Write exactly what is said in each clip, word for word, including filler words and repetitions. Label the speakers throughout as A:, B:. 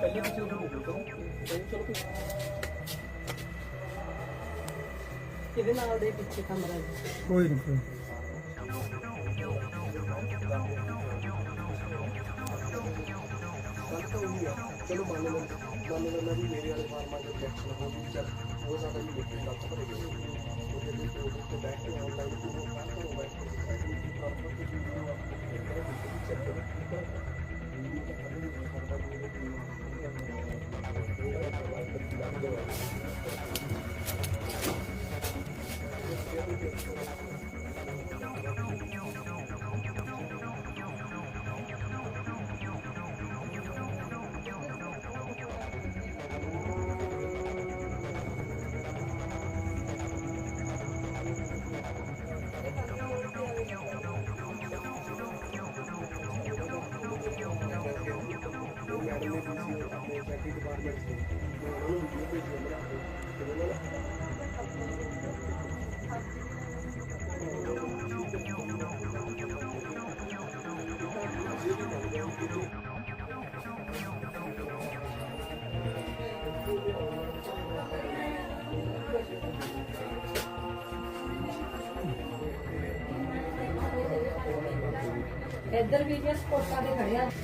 A: ਇਹਦੇ ਨਾਲ ਦੇ ਪਿੱਛੇ ਕਮਰਾ
B: ਕੋਈ ਨਹੀਂ ਕੋਈ
C: चलो मान लो मान लो मैं भी मेरे वाले फार्मा जो इलेक्शन हो भी चल वो ज़्यादा ही लेके गलत पड़े गए तो जल्दी तो बैठ के ऑनलाइन को वो काम करो बैठ के प्रॉपर के वीडियो आपको चेक करो वीडियो का खत्म नहीं करता
A: इधर भी स्पोर्टा दे खड़े हैं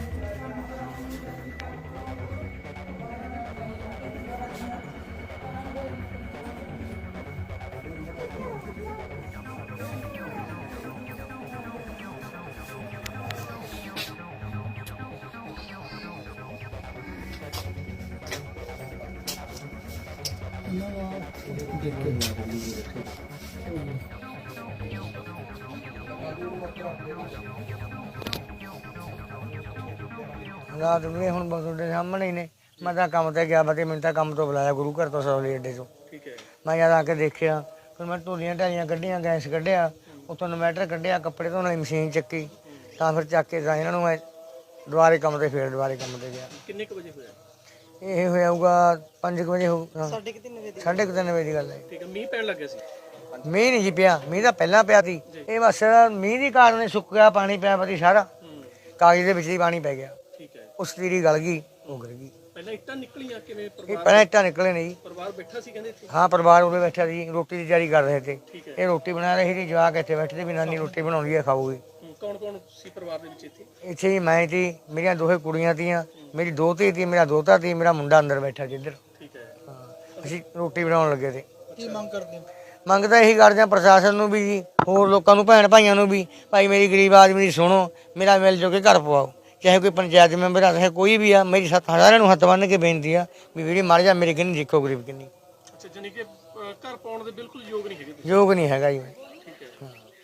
B: रात में हुण तुहाडे सामने ही ने मैं तो काम ते गया बते मैंने तो काम तो बुलाया गुरु घर तो सौली अड्डे चो मैं जद आके देखिया फिर मैं धूलियां ढालियां कड्ढियां गैस कड्ढिया उत्थों इन्वर्टर कड्ढिया कपड़े धोने वाली मशीन चक्की तो फिर चक के इन्हां नूं मैं दुबारे काम ते फिर दुबारे काम ते गया।
C: किन्ने क बजे होया
B: ये होया पाँच बजे हो साढ़े क तीन बजे की गल है।
C: ठीक है मींह पैण लग गया सी
B: मीह नहीं जी पिया मीह तो पहला पिया थी ये बस मीह के कारण सुक गया पानी पिया पती सारा कागज के विच ही पानी पै गया
C: ठीक है
B: उस तीरी गल गई वो गिर गई
C: पहले इट्टां निकलियां किवें
B: ये
C: परिवार
B: पहले इट्टा निकले नहीं
C: परिवार बैठा सी कहंदे इत्थे
B: हाँ परिवार उरे बैठा थी रोटी की तैयारी कर रहे थे
C: ठीक है
B: ये रोटी बना रही थी जवाक इत्थे बैठे थे भी नानी रोटी बनाउंदी है खाऊगी
C: कौन कौन सी परिवार दे विच इत्थे
B: इत्थे ही मैं थी मेरियां दोहे कुड़ियां थीआं मेरी दोती थी मेरा दोता थी मेरा मुंडा अंदर बैठा जिधर
C: ठीक है
B: हाँ असीं रोटी बनाउण लगे थे।
C: की मांग करदे हो
B: ਮੰਗ ਤਾਂ ਇਹੀ ਕਰਦੇ ਹਾਂ ਪ੍ਰਸ਼ਾਸਨ ਨੂੰ ਵੀ ਜੀ ਹੋਰ ਲੋਕਾਂ ਨੂੰ ਭੈਣ ਭਾਈਆਂ ਨੂੰ ਵੀ ਭਾਈ ਮੇਰੀ ਗਰੀਬ ਆਦਮੀ ਦੀ ਸੁਣੋ ਮੇਰਾ ਮਿਲ ਜੋ ਕੇ ਘਰ ਪਵਾਓ ਚਾਹੇ ਕੋਈ ਪੰਚਾਇਤ ਮੈਂਬਰ ਆ ਚਾਹੇ ਕੋਈ ਵੀ ਆ ਮੇਰੀ ਸਾਰਿਆਂ ਨੂੰ ਹੱਥ ਬੰਨ੍ਹ ਕੇ ਬੇਨਤੀ ਆ ਵੀ ਵੀਰੇ ਮਰ ਜਾ ਮੇਰੇ ਕਿੰਨੀ ਦੇਖੋ ਗਰੀਬ ਕਿੰਨੀ
C: ਅੱਛਾ ਜਾਨੀ ਕਿ ਘਰ ਪਾਉਣ ਦੇ ਬਿਲਕੁਲ ਯੋਗ ਨਹੀਂ ਹੈਗੇ ਤੁਸੀਂ
B: ਯੋਗ ਨਹੀਂ ਹੈਗਾ ਜੀ ਮੈਂ
C: ਠੀਕ ਹੈ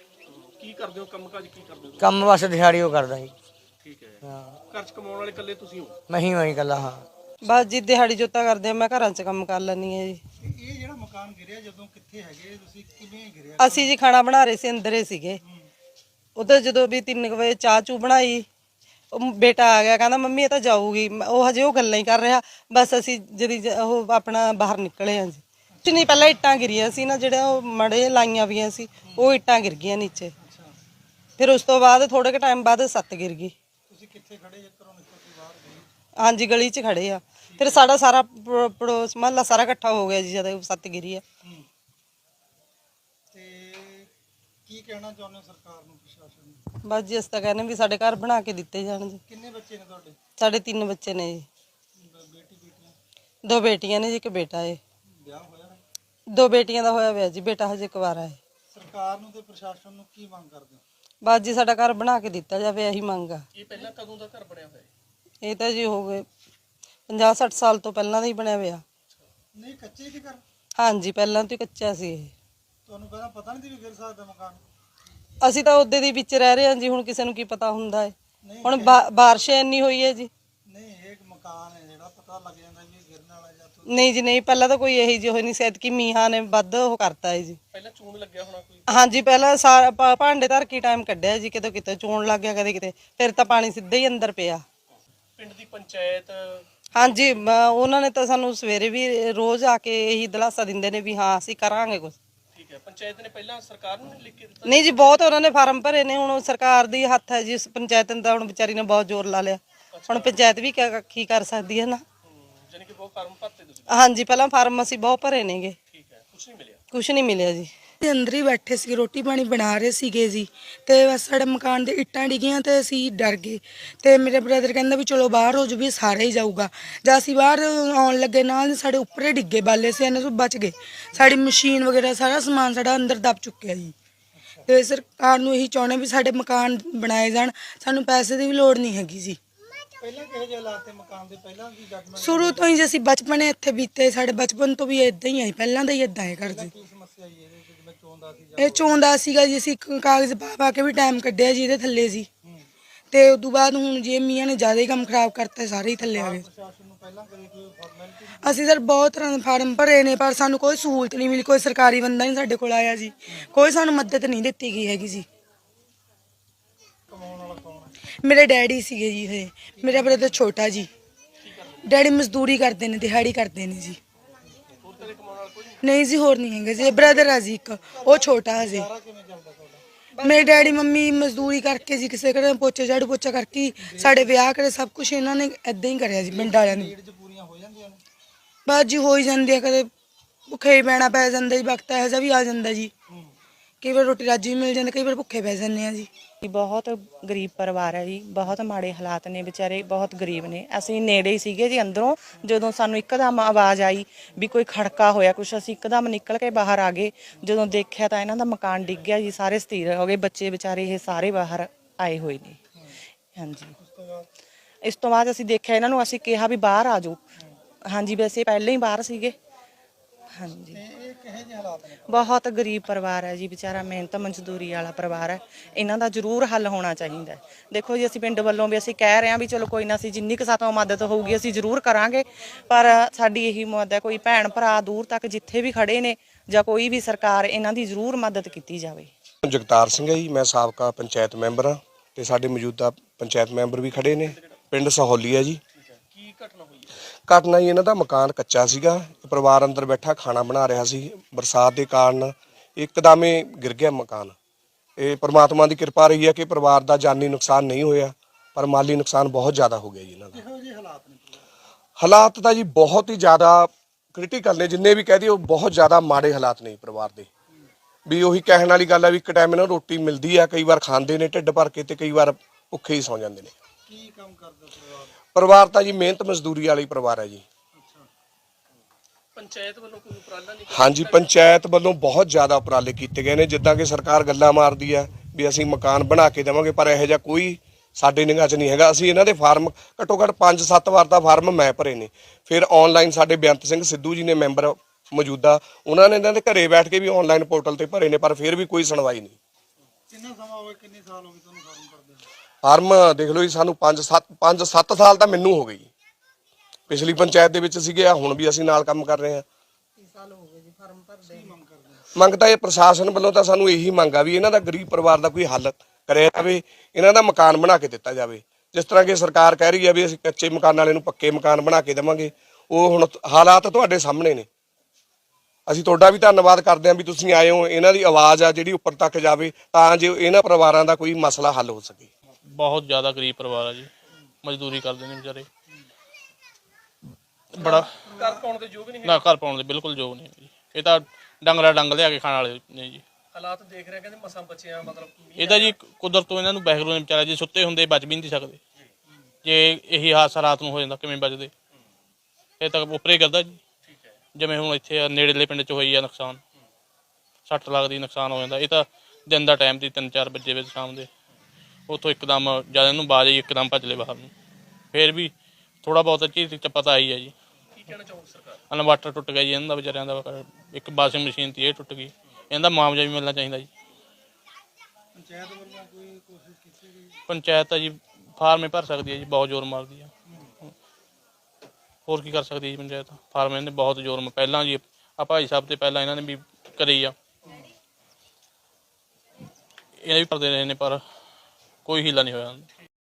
C: ਕੀ ਕਰਦੇ ਹੋ ਕੰਮ ਕਾਜ ਕੀ ਕਰਦੇ ਹੋ
B: ਕੰਮ ਬਸ ਦਿਹਾੜੀ ਉਹ ਕਰਦਾ ਜੀ
C: ਠੀਕ ਹੈ
B: ਹਾਂ
C: ਘਰ ਚ ਕਮਾਉਣ ਵਾਲੇ ਇਕੱਲੇ ਤੁਸੀਂ ਹੋ
B: ਮੈਂ ਹੀ ਮੈਂ ਇਕੱਲਾ ਹਾਂ
A: बस जी दिहाड़ी जोता करदे मैं घरां च काम कर लैनी है जी
C: ਇਹ ਜਿਹੜਾ ਮਕਾਨ ਗਿਰਿਆ ਜਦੋਂ ਕਿੱਥੇ ਹੈਗੇ ਤੁਸੀਂ ਕਿਵੇਂ ਗਿਰਿਆ
A: ਅਸੀਂ ਜੀ ਖਾਣਾ ਬਣਾ ਰਹੇ ਸੀ ਅੰਦਰੇ ਸੀਗੇ ਉਧਰ ਜਦੋਂ ਵੀ ਤਿੰਨ ਵਜੇ ਚਾਹ ਚੂ ਬਣਾਈ ਉਹ ਬੇਟਾ ਆ ਗਿਆ ਕਹਿੰਦਾ ਮੰਮੀ ਇਹ ਤਾਂ ਜਾਊਗੀ ਉਹ ਹਜੇ ਉਹ ਗੱਲਾਂ ਹੀ ਕਰ ਰਿਹਾ ਬਸ ਅਸੀਂ ਜਦੀ ਉਹ ਆਪਣਾ ਬਾਹਰ ਨਿਕਲੇ ਹਾਂ ਜੀ ਕੁਛ ਨਹੀਂ ਪਹਿਲਾਂ ਇੱਟਾਂ ਗਿਰੀਆਂ ਸੀ ਨਾ ਜਿਹੜੇ ਉਹ ਮੜੇ ਲਾਈਆਂ ਵੀਆਂ ਸੀ ਉਹ ਇੱਟਾਂ ਗਿਰ ਗਈਆਂ ਨੀਚੇ ਫਿਰ ਉਸ ਤੋਂ ਬਾਅਦ ਥੋੜੇ ਕੁ ਟਾਈਮ ਬਾਅਦ ਸੱਤ ਗਿਰ ਗਈ
C: ਤੁਸੀਂ ਕਿੱਥੇ ਖੜੇ ਜੇ ਘਰੋਂ ਨਿਕਲ ਕੇ ਬਾਹਰ ਗਏ
A: हाँ जी गली च खड़े आ फिर साडा सारा पड़ोस महला सारा इकट्ठा हो गया जी जद सत्त गिरी है
C: ਤੇ ਕੀ ਕਹਿਣਾ ਚਾਹੁੰਦੇ ਹੋ ਸਰਕਾਰ ਨੂੰ ਪ੍ਰਸ਼ਾਸਨ ਨੂੰ
A: बस जी अस तां कहने भी साडे घर बना के दिते जाण जी
C: ਕਿੰਨੇ ਬੱਚੇ ਨੇ ਤੁਹਾਡੇ
A: साडे तीन बच्चे ने जी
C: ਬੇਟੀ ਬੇਟੀਆਂ
A: दो बेटियां ने जी एक बेटा है
C: ਵਿਆਹ ਹੋਇਆ ਹੈ
A: दो बेटियां दा होया होया जी बेटा हजे कुवारा है
C: ਸਰਕਾਰ ਨੂੰ ਤੇ ਪ੍ਰਸ਼ਾਸਨ ਨੂੰ ਕੀ ਮੰਗ ਕਰਦੇ ਹੋ
A: बस जी साडा घर बना के दिता जावे यही मंग आ
C: ਇਹ ਪਹਿਲਾਂ ਕਦੋਂ ਦਾ ਘਰ ਬਣਿਆ ਹੋਇਆ ਹੈ
A: ये तो जी हो गए पचास सठ साल तो पहला दा ही बनया होया
C: ਨਹੀਂ ਕੱਚੇ ਦੀ ਘਰ
A: हाँ जी पहला तो कच्चा सी ये
C: ਤੁਹਾਨੂੰ ਪਹਿਲਾਂ ਪਤਾ ਨਹੀਂ ਸੀ ਵੀ ਗਿਰ ਸਕਦਾ ਮਕਾਨ
A: ਅਸੀਂ ਤਾਂ ਉਹਦੇ ਦੇ ਵਿੱਚ ਰਹਿ ਰਹੇ ਹਾਂ ਜੀ ਹੁਣ ਕਿਸੇ ਨੂੰ ਕੀ ਪਤਾ ਹੁੰਦਾ ਹੈ ਹੁਣ ਬਾਰਿਸ਼ ਇੰਨੀ ਹੋਈ ਹੈ ਜੀ
C: ਨਹੀਂ ਇਹ ਮਕਾਨ ਹੈ ਜਿਹੜਾ ਪਤਾ ਲੱਗ ਜਾਂਦਾ ਵੀ ਗਿਰਨ ਵਾਲਾ ਜਾਂ
A: ਨਹੀਂ ਜੀ ਨਹੀਂ ਪਹਿਲਾਂ ਤਾਂ ਕੋਈ ਇਹੀ ਜਿਹੀ ਹੋਈ ਨਹੀਂ ਸੈਦ ਕਿ ਮੀਹਾਂ ਨੇ ਵੱਧ ਉਹ ਕਰਤਾ ਹੈ ਜੀ
C: ਪਹਿਲਾਂ ਚੂਨ ਲੱਗਿਆ ਹੋਣਾ ਕੋਈ
A: ਹਾਂਜੀ ਪਹਿਲਾਂ ਸਾਰਾ ਭਾ- ਭਾਂਡੇ ਧਰ ਕੇ ਟਾਈਮ ਕੱਢਿਆ ਜੀ ਕਿਤੇ ਕਿਤੇ ਚੋਣ ਲੱਗ ਗਿਆ ਕਦੇ ਕਿਤੇ ਫਿਰ ਤਾਂ ਪਾਣੀ ਸਿੱਧਾ ਹੀ ਅੰਦਰ ਪਿਆ
C: ਪਿੰਡ ਦੀ ਪੰਚਾਇਤ
A: ਹਾਂਜੀ ਮ- ਉਹਨਾਂ ਨੇ ਤਾਂ ਸਾਨੂੰ ਸਵੇਰੇ ਵੀ ਰੋਜ਼ ਆ ਕੇ ਇਹੀ ਦਿਲਾਸਾ ਦਿੰਦੇ ਨੇ ਵੀ ਹਾਂ ਅਸੀਂ ਕਰਾਂਗੇ ਕੁਝ
C: ਠੀਕ ਹੈ ਪੰਚਾਇਤ ਨੇ ਪਹਿਲਾਂ ਸਰਕਾਰ ਨੂੰ ਲਿਖ ਕੇ ਦਿੱਤਾ
A: ਨਹੀਂ ਜੀ ਬਹੁਤ ਉਹਨਾਂ ਨੇ ਫਾਰਮ ਭਰੇ ਨੇ ਹੁਣ ਉਹ ਸਰਕਾਰ ਦੀ ਹੱਥ ਹੈ ਜੀ ਉਸ ਪੰਚਾਇਤ ਨੇ ਤਾਂ ਹੁਣ ਵਿਚਾਰੀ ਨੇ ਬਹੁਤ ਜ਼ੋਰ ਲਾ ਲਿਆ ਹੁਣ ਪੰਚਾਇਤ ਵੀ ਕਿਆ ਕੀ ਕਰ ਸਕਦੀ ਹੈ ਨਾ।
C: ਜਾਨੀ ਕਿ ਬਹੁਤ ਫਾਰਮ ਭਰਤੇ ਤੁਸੀਂ?
A: ਹਾਂਜੀ, ਪਹਿਲਾਂ ਫਾਰਮ ਅਸੀਂ ਬਹੁਤ ਭਰੇ ਨੇਗੇ,
C: ਠੀਕ ਹੈ, ਕੁਝ ਨਹੀਂ ਮਿਲਿਆ?
A: ਕੁਝ ਨਹੀਂ ਮਿਲਿਆ ਜੀ।
D: ਤੇ ਅੰਦਰ ਹੀ ਬੈਠੇ ਸੀ, ਰੋਟੀ ਪਾਣੀ ਬਣਾ ਰਹੇ ਸੀਗੇ ਜੀ, ਤੇ ਬਸ ਸਾਡੇ ਮਕਾਨ ਦੇ ਇੱਟਾਂ ਡਿੱਗੀਆਂ ਤੇ ਅਸੀਂ ਡਰ ਗਏ। ਤੇ ਮੇਰੇ ਬ੍ਰਦਰ ਕਹਿੰਦਾ ਵੀ ਚਲੋ ਬਾਹਰ ਹੋ ਜੂ ਵੀ ਸਾਰੇ ਹੀ ਜਾਊਗਾ। ਜਦ ਅਸੀਂ ਬਾਹਰ ਆਉਣ ਲੱਗੇ ਨਾਲ ਸਾਡੇ ਉੱਪਰੇ ਡਿੱਗੇ ਬਾਲੇ ਸੀ, ਇਹਨਾਂ ਤੋਂ ਬਚ ਗਏ। ਸਾਡੀ ਮਸ਼ੀਨ ਵਗੈਰਾ ਸਾਰਾ ਸਮਾਨ ਸਾਡਾ ਅੰਦਰ ਦਬ ਚੁੱਕਿਆ ਜੀ। ਤੇ ਸਰਕਾਰ ਨੂੰ ਇਹੀ ਚਾਹੁੰਦੇ ਵੀ ਸਾਡੇ ਮਕਾਨ ਬਣਾਏ ਜਾਣ, ਸਾਨੂੰ ਪੈਸੇ ਦੀ ਵੀ ਲੋੜ ਨਹੀਂ ਹੈਗੀ ਜੀ।
C: ਪਹਿਲਾਂ ਕਿਹੋ ਜਿਹੇ ਹਾਲਾਤ ਤੇ ਮਕਾਨ ਦੇ? ਪਹਿਲਾਂ ਕੀ ਜੱਜਮੈਂਟ?
D: ਸ਼ੁਰੂ ਤੋਂ ਹੀ ਜੇ ਅਸੀਂ ਬਚਪਨੇ ਇੱਥੇ ਬੀਤੇ, ਸਾਡੇ ਬਚਪਨ ਤੋਂ ਵੀ ਇਦਾਂ ਹੀ ਆਈ, ਪਹਿਲਾਂ ਦਾ ਹੀ ਇਦਾਂ ਹੈ ਘਰ ਜੀ।
C: ਕੀ ਸਮੱਸਿਆ ਆਈ ਇਹਦੇ ਵਿੱਚ ਜਿਵੇਂ ਚੋਂਦਾ ਸੀ?
D: ਇਹ ਚੋਂਦਾ ਸੀਗਾ ਜੀ, ਅਸੀਂ ਕ- ਕਾਗਜ਼ ਪਾ ਪਾ ਕੇ ਵੀ ਟਾਈਮ ਕੱਢਿਆ ਜੀ ਇਹਦੇ ਥੱਲੇ ਜੀ। ਤੇ ਉਦੋਂ ਬਾਅਦ ਹੁਣ ਜੀ ਮੀਆਂ ਨੇ ਜ਼ਿਆਦਾ ਹੀ ਕੰਮ ਖਰਾਬ ਕਰਤਾ, ਸਾਰੇ ਹੀ ਥੱਲੇ ਆ ਗਏ।
C: ਪ੍ਰਸ਼ਾਸਨ ਨੂੰ ਪਹਿਲਾਂ ਕਦੇ ਕੋਈ ਫਾਰਮੈਲਿਟੀ?
D: ਅਸੀਂ ਸਰ ਬਹੁਤ ਤਰ੍ਹਾਂ ਦੇ ਫਾਰਮ ਭਰੇ ਨੇ, ਪਰ ਸਾਨੂੰ ਕੋਈ ਸਹੂਲਤ ਨਹੀਂ ਮਿਲੀ, ਕੋਈ ਸਰਕਾਰੀ ਬੰਦਾ ਨਹੀਂ ਸਾਡੇ ਕੋਲ ਆਇਆ ਜੀ, ਕੋਈ ਸਾਨੂੰ ਮਦਦ ਨਹੀਂ ਦਿੱਤੀ ਗਈ ਹੈਗੀ ਜੀ।
C: ਕਮਾਉਣ ਵਾਲਾ ਕੌਣ ਹੈ?
D: ਮੇਰੇ ਡੈਡੀ ਸੀਗੇ ਜੀ, ਇਹ ਮੇਰਾ ਬ੍ਰਦਰ ਛੋਟਾ ਜੀ। ਡੈਡੀ ਮਜ਼ਦੂਰੀ ਕਰਦੇ ਨੇ, ਦਿਹਾੜੀ ਕਰਦੇ ਨੇ ਜੀ।
C: ਹੋਰ ਤੇਰੇ ਕਮਾਉਣ ਵਾਲਾ ਕੋਈ ਨਹੀਂ?
D: ਨਹੀਂ ਜੀ, ਹੋਰ ਨਹੀਂ ਹੈਗੇ ਜੀ। ਬ੍ਰਦਰ ਆ ਜੀ ਇੱਕ, ਉਹ ਛੋਟਾ ਹਜੇ।
C: ਸਾਰਾ ਕਿਵੇਂ ਚੱਲਦਾ ਤੁਹਾਡਾ?
D: ਮੇਰੇ ਡੈਡੀ ਮੰਮੀ ਮਜ਼ਦੂਰੀ ਕਰਕੇ ਜੀ, ਕਿਸੇ ਘਰੇ ਪੋਚੇ ਝਾੜੂ ਪੋਚਾ ਕਰਕੇ ਹੀ ਸਾਡੇ ਵਿਆਹ ਕਰੇ, ਸਭ ਕੁਝ ਇਹਨਾਂ ਨੇ ਏਦਾਂ ਹੀ ਕਰਿਆ ਜੀ ਪਿੰਡ ਵਾਲਿਆਂ ਨੇ।
C: ਨੀਡ ਚ ਪੂਰੀਆਂ ਹੋ ਜਾਂਦੀਆਂ ਨੇ?
D: ਬਸ ਜੀ ਹੋ ਹੀ ਜਾਂਦੀ ਆ, ਕਦੇ ਭੁੱਖੇ ਹੀ ਪੈਣਾ ਪੈ ਜਾਂਦਾ ਜੀ, ਵਕਤ ਇਹੋ ਜਿਹਾ ਵੀ ਆ ਜਾਂਦਾ ਜੀ। ਕਈ ਵਾਰ ਰੋਟੀ ਰਾਜੀ ਵੀ ਮਿਲ ਜਾਂਦੀ, ਕਈ ਵਾਰ ਭੁੱਖੇ ਪੈ ਜਾਂਦੇ ਆ ਜੀ।
E: ਬਹੁਤ ਗਰੀਬ ਪਰਿਵਾਰ ਹੈ ਜੀ, ਬਹੁਤ ਮਾੜੇ ਹਾਲਾਤ ਨੇ, ਵਿਚਾਰੇ ਬਹੁਤ ਗਰੀਬ ਨੇ। ਅਸੀਂ ਨੇੜੇ ਹੀ ਸੀਗੇ ਜੀ ਅੰਦਰੋਂ, ਜਦੋਂ ਸਾਨੂੰ ਇੱਕਦਮ ਆਵਾਜ਼ ਆਈ ਵੀ ਕੋਈ ਖੜਕਾ ਹੋਇਆ ਕੁਛ, ਅਸੀਂ ਇੱਕਦਮ ਨਿਕਲ ਕੇ ਬਾਹਰ ਆ ਗਏ। ਜਦੋਂ ਦੇਖਿਆ ਤਾਂ ਇਹਨਾਂ ਦਾ ਮਕਾਨ ਡਿੱਗ ਗਿਆ ਜੀ, ਸਾਰੇ ਸਥਿਰ ਹੋ ਗਏ, ਬੱਚੇ ਵਿਚਾਰੇ ਇਹ ਸਾਰੇ ਬਾਹਰ ਆਏ ਹੋਏ ਨੇ। ਹਾਂਜੀ, ਇਸ ਤੋਂ ਬਾਅਦ ਅਸੀਂ ਦੇਖਿਆ ਇਹਨਾਂ ਨੂੰ, ਅਸੀਂ ਕਿਹਾ ਵੀ ਬਾਹਰ ਆ ਜਾਓ। ਹਾਂਜੀ, ਵੈਸੇ ਪਹਿਲਾਂ ਹੀ ਬਾਹਰ ਸੀਗੇ। ਹਾਂਜੀ,
C: ਇਹ ਕਿਹੋ ਜਿਹੇ ਹਾਲਾਤ ਨੇ?
E: ਬਹੁਤ ਗਰੀਬ ਪਰਿਵਾਰ ਹੈ ਜੀ, ਵਿਚਾਰਾ ਮਿਹਨਤ ਮਜ਼ਦੂਰੀ ਵਾਲਾ ਪਰਿਵਾਰ ਹੈ। ਇਹਨਾਂ ਦਾ ਜ਼ਰੂਰ ਹੱਲ ਹੋਣਾ ਚਾਹੀਦਾ ਹੈ। ਦੇਖੋ ਜੀ, ਅਸੀਂ ਪਿੰਡ ਵੱਲੋਂ ਵੀ ਅਸੀਂ ਕਹਿ ਰਹੇ ਹਾਂ ਵੀ ਚਲੋ ਕੋਈ ਨਾ, ਅਸੀਂ ਜਿੰਨੀ ਕੁ ਸਾਤੋਂ ਮਦਦ ਹੋਊਗੀ ਅਸੀਂ ਜ਼ਰੂਰ ਕਰਾਂਗੇ, ਪਰ ਸਾਡੀ ਇਹੀ ਮਦਦ ਹੈ, ਕੋਈ ਭੈਣ ਭਰਾ ਦੂਰ ਤੱਕ ਜਿੱਥੇ ਵੀ ਖੜੇ ਨੇ ਜਾਂ ਕੋਈ ਵੀ ਸਰਕਾਰ, ਇਹਨਾਂ ਦੀ ਜ਼ਰੂਰ ਮਦਦ ਕੀਤੀ ਜਾਵੇ।
F: ਜਗਤਾਰ ਸਿੰਘ ਹੈ ਜੀ, ਮੈਂ ਸਾਬਕਾ ਪੰਚਾਇਤ ਮੈਂਬਰ ਹਾਂ ਤੇ ਸਾਡੇ ਮੌਜੂਦਾ ਪੰਚਾਇਤ ਮੈਂਬਰ ਵੀ ਖੜੇ ਨੇ। ਪਿੰਡ ਸਹੌਲੀ ਹੈ ਜੀ।
C: ਕੀ ਘਟਨਾ ਹੋਈ ਹੈ?
F: ਘਟਨਾ ਜੀ, ਇਹਨਾਂ ਦਾ ਮਕਾਨ ਕੱਚਾ ਸੀਗਾ, ਪਰਿਵਾਰ ਅੰਦਰ ਬੈਠਾ ਖਾਣਾ ਬਣਾ ਰਿਹਾ ਸੀ। ਬਰਸਾਤ ਦੇ ਕਾਰਨ ਇੱਕਦਮ ਹੀ ਗਿਰ ਗਿਆ ਮਕਾਨ। ਇਹ ਪ੍ਰਮਾਤਮਾ ਦੀ ਕਿਰਪਾ ਰਹੀ ਹੈ ਕਿ ਪਰਿਵਾਰ ਦਾ ਜਾਨੀ ਨੁਕਸਾਨ ਨਹੀਂ ਹੋਇਆ, ਪਰ ਮਾਲੀ ਨੁਕਸਾਨ ਬਹੁਤ ਜ਼ਿਆਦਾ ਹੋ ਗਿਆ ਜੀ ਇਹਨਾਂ ਦਾ।
C: ਕਿਹੋ ਜਿਹੇ ਹਾਲਾਤ ਨੇ?
F: ਹਾਲਾਤ ਤਾਂ ਜੀ ਬਹੁਤ ਹੀ ਜ਼ਿਆਦਾ ਕ੍ਰਿਟੀਕਲ ਨੇ, ਜਿੰਨੇ ਵੀ ਕਹਿ ਦਈਏ ਉਹ ਬਹੁਤ ਜ਼ਿਆਦਾ ਮਾੜੇ ਹਾਲਾਤ ਨੇ ਪਰਿਵਾਰ ਦੇ। ਵੀ ਉਹੀ ਕਹਿਣ ਵਾਲੀ ਗੱਲ ਹੈ ਵੀ ਇੱਕ ਟਾਈਮ ਇਹਨਾਂ ਨੂੰ ਰੋਟੀ ਮਿਲਦੀ ਆ, ਕਈ ਵਾਰ ਖਾਂਦੇ ਨੇ ਢਿੱਡ ਭਰ ਕੇ ਤੇ ਕਈ ਵਾਰ ਭੁੱਖੇ ਹੀ ਸੌਂ ਜਾਂਦੇ ਨੇ।
C: ਕੀ ਕੰਮ ਕਰਦਾ ਪਰਿਵਾਰ?
F: ਪਰਿਵਾਰ ਤਾਂ ਜੀ ਮਿਹਨਤ ਮਜ਼ਦੂਰੀ ਵਾਲੀ ਪਰਿਵਾਰ ਹੈ ਜੀ।
C: ਪੰਚਾਇਤ ਵੱਲੋਂ ਕੋਈ ਉਪਰਾਲਾ ਨਹੀਂ?
F: ਹਾਂਜੀ, ਪੰਚਾਇਤ ਵੱਲੋਂ ਬਹੁਤ ਜ਼ਿਆਦਾ ਉਪਰਾਲੇ ਕੀਤੇ ਗਏ ਨੇ। ਜਿੱਦਾਂ ਕਿ ਸਰਕਾਰ ਗੱਲਾਂ ਮਾਰਦੀ ਆ ਵੀ ਅਸੀਂ ਮਕਾਨ ਬਣਾ ਕੇ ਦੇਵਾਂਗੇ, ਪਰ ਇਹੋ ਜਿਹਾ ਕੋਈ ਸਾਡੇ ਨਿਗਾਹ 'ਚ ਨਹੀਂ ਹੈਗਾ। ਅਸੀਂ ਇਹਨਾਂ ਦੇ ਫਾਰਮ ਘੱਟੋ ਘੱਟ ਪੰਜ ਸੱਤ ਵਾਰ ਦਾ ਫਾਰਮ ਮੈਂ ਭਰੇ ਨੇ। ਫਿਰ ਆਨਲਾਈਨ ਸਾਡੇ ਬੇਅੰਤ ਸਿੰਘ ਸਿੱਧੂ ਜੀ ਨੇ ਮੈਂਬਰ ਮੌਜੂਦਾ, ਉਹਨਾਂ ਨੇ ਇਹਨਾਂ ਦੇ ਘਰੇ ਬੈਠ ਕੇ ਵੀ ਆਨਲਾਈਨ ਪੋਰਟਲ ਤੇ ਭਰੇ ਨੇ, ਪਰ ਫਿਰ ਵੀ ਕੋਈ ਸੁਣਵਾਈ ਨਹੀਂ।
C: ਕਿੰਨਾ ਸਮਾਂ ਹੋ ਗਿਆ, ਕਿੰਨੇ ਸਾਲ ਹੋ ਗਏ ਤੁਹਾਨੂੰ ਫਾਰਮ ਭਰਦੇ ਨੂੰ?
F: ਫਾਰਮ ਦੇਖ ਲਓ ਜੀ, ਸਾਨੂੰ ਪੰਜ ਸੱਤ ਪੰਜ ਸੱਤ ਸਾਲ ਤਾਂ ਮੈਨੂੰ ਹੋ ਗਈ। ਪਿਛਲੀ ਪੰਚਾਇਤ ਦੇ ਵਿੱਚ ਸੀਗੇ, ਹੁਣ ਵੀ ਅਸੀਂ ਨਾਲ ਕੰਮ ਕਰ ਰਹੇ ਹਾਂ। ਮੰਗ ਤਾਂ ਇਹ ਪ੍ਰਸ਼ਾਸਨ ਵੱਲੋਂ ਤਾਂ ਸਾਨੂੰ ਇਹੀ ਮੰਗ ਆ ਵੀ ਇਹਨਾਂ ਦਾ ਗਰੀਬ ਪਰਿਵਾਰ ਦਾ ਕੋਈ ਹੱਲ ਕਰਿਆ ਜਾਵੇ, ਇਹਨਾਂ ਦਾ ਮਕਾਨ ਬਣਾ ਕੇ ਦਿੱਤਾ ਜਾਵੇ। ਜਿਸ ਤਰ੍ਹਾਂ ਕਿ ਸਰਕਾਰ ਕਹਿ ਰਹੀ ਹੈ ਵੀ ਅਸੀਂ ਕੱਚੇ ਮਕਾਨ ਵਾਲੇ ਨੂੰ ਪੱਕੇ ਮਕਾਨ ਬਣਾ ਕੇ ਦੇਵਾਂਗੇ, ਉਹ ਹੁਣ ਹਾਲਾਤ ਤੁਹਾਡੇ ਸਾਹਮਣੇ ਨੇ। ਅਸੀਂ ਤੁਹਾਡਾ ਵੀ ਧੰਨਵਾਦ ਕਰਦੇ ਹਾਂ ਵੀ ਤੁਸੀਂ ਆਏ ਹੋ, ਇਹਨਾਂ ਦੀ ਆਵਾਜ਼ ਆ ਜਿਹੜੀ ਉੱਪਰ ਤੱਕ ਜਾਵੇ ਤਾਂ ਜੋ ਇਹਨਾਂ ਪਰਿਵਾਰਾਂ ਦਾ ਕੋਈ ਮਸਲਾ ਹੱਲ ਹੋ ਸਕੇ।
G: ਬਹੁਤ ਜ਼ਿਆਦਾ ਗਰੀਬ ਪਰਿਵਾਰ ਆ ਜੀ, ਮਜ਼ਦੂਰੀ ਕਰਦੇ ਨੇ ਵਿਚਾਰੇ। ਬੜਾ
C: ਘਰ ਪਾਉਣ ਦੇ ਯੋਗ ਨਹੀਂ ਹੈ?
G: ਨਾ, ਘਰ ਪਾਉਣ ਦੇ ਬਿਲਕੁਲ ਯੋਗ ਨਹੀਂ ਜੀ। ਇਹ ਤਾਂ ਡੰਗਰਾ ਡੰਗ ਲਿਆ ਕੇ ਖਾਣ ਵਾਲੇ ਨੇ ਜੀ।
C: ਹਾਲਾਤ ਦੇਖ ਰਹੇ, ਕਹਿੰਦੇ ਮਸਾਂ ਬਚਿਆ, ਮਤਲਬ
G: ਇਹਦਾ ਜੀ ਕੁਦਰਤ ਤੋਂ ਇਹਨਾਂ ਨੂੰ ਵਾਹਿਗੁਰੂ ਨੇ ਵਿਚਾਰਾ ਜੀ, ਸੁੱਤੇ ਹੁੰਦੇ ਬਚ ਵੀ ਨਹੀਂ ਸਕਦੇ। ਜੇ ਇਹੀ ਹਾਦਸਾ ਰਾਤ ਨੂੰ ਹੋ ਜਾਂਦਾ ਕਿਵੇਂ ਬਚਦੇ? ਇਹ ਤਾਂ ਉੱਪਰੇ ਕਰਦਾ ਜੀ। ਜਿਵੇਂ ਹੁਣ ਇੱਥੇ ਨੇੜੇਲੇ ਪਿੰਡ 'ਚ ਹੋਈ ਆ ਨੁਕਸਾਨ, ਸੱਟ ਲੱਖ ਦੀ ਨੁਕਸਾਨ ਹੋ ਜਾਂਦਾ। ਇਹ ਤਾਂ ਦਿਨ ਦਾ ਟਾਈਮ ਸੀ, ਤਿੰਨ ਚਾਰ ਵਜੇ ਵਿੱਚ ਸ਼ਾਮ ਦੇ, ਉੱਥੋਂ ਇੱਕਦਮ ਜਦ ਇਹਨੂੰ ਬਾਜ ਆਈ ਇੱਕਦਮ ਭੱਜ ਲਏ ਬਾਹਰ ਨੂੰ। ਫਿਰ ਵੀ ਥੋੜਾ ਬਹੁਤ ਚੀਜ਼ 'ਚ ਪਤਾ ਆਈ ਹੈ ਜੀ।
C: ਕੀ ਕਹਿਣਾ ਚਾਹੋਗੇ ਸਰਕਾਰ?
G: ਇਨਵਰਟਰ ਟੁੱਟ ਗਿਆ ਜੀ ਇਹਨਾਂ ਦਾ ਵਿਚਾਰਿਆਂ ਦਾ, ਇੱਕ ਵਾਸ਼ਿੰਗ ਮਸ਼ੀਨ ਤੀ ਇਹ ਟੁੱਟ ਗਈ। ਇਹਦਾ ਮੁਆਵਜ਼ਾ ਵੀ ਮਿਲਣਾ ਚਾਹੀਦਾ ਜੀ।
C: ਪੰਚਾਇਤ ਵੱਲੋਂ ਕੋਈ ਕੋਸ਼ਿਸ਼ ਕੀਤੀ ਗਈ?
G: ਪੰਚਾਇਤ ਤਾਂ ਜੀ ਫਾਰਮੇ ਭਰ ਸਕਦੀ ਹੈ ਜੀ, ਬਹੁਤ ਜ਼ੋਰ ਮਾਰਦੀ ਆ। ਹੋਰ ਕੀ ਕਰ ਸਕਦੀ ਹੈ ਜੀ ਪੰਚਾਇਤ? ਫਾਰਮ ਇਹਨੇ ਬਹੁਤ ਜ਼ੋਰ ਮ ਪਹਿਲਾਂ ਜੀ ਆ ਭਾਈ ਸਾਹਿਬ ਤੇ ਪਹਿਲਾਂ ਇਹਨਾਂ ਨੇ ਵੀ ਕਰੀ ਆ, ਇਹ ਵੀ ਕਰਦੇ ਰਹੇ ਨੇ, ਪਰ ਕੋਈ ਹੀਲਾ ਨਹੀਂ ਹੋਇਆ।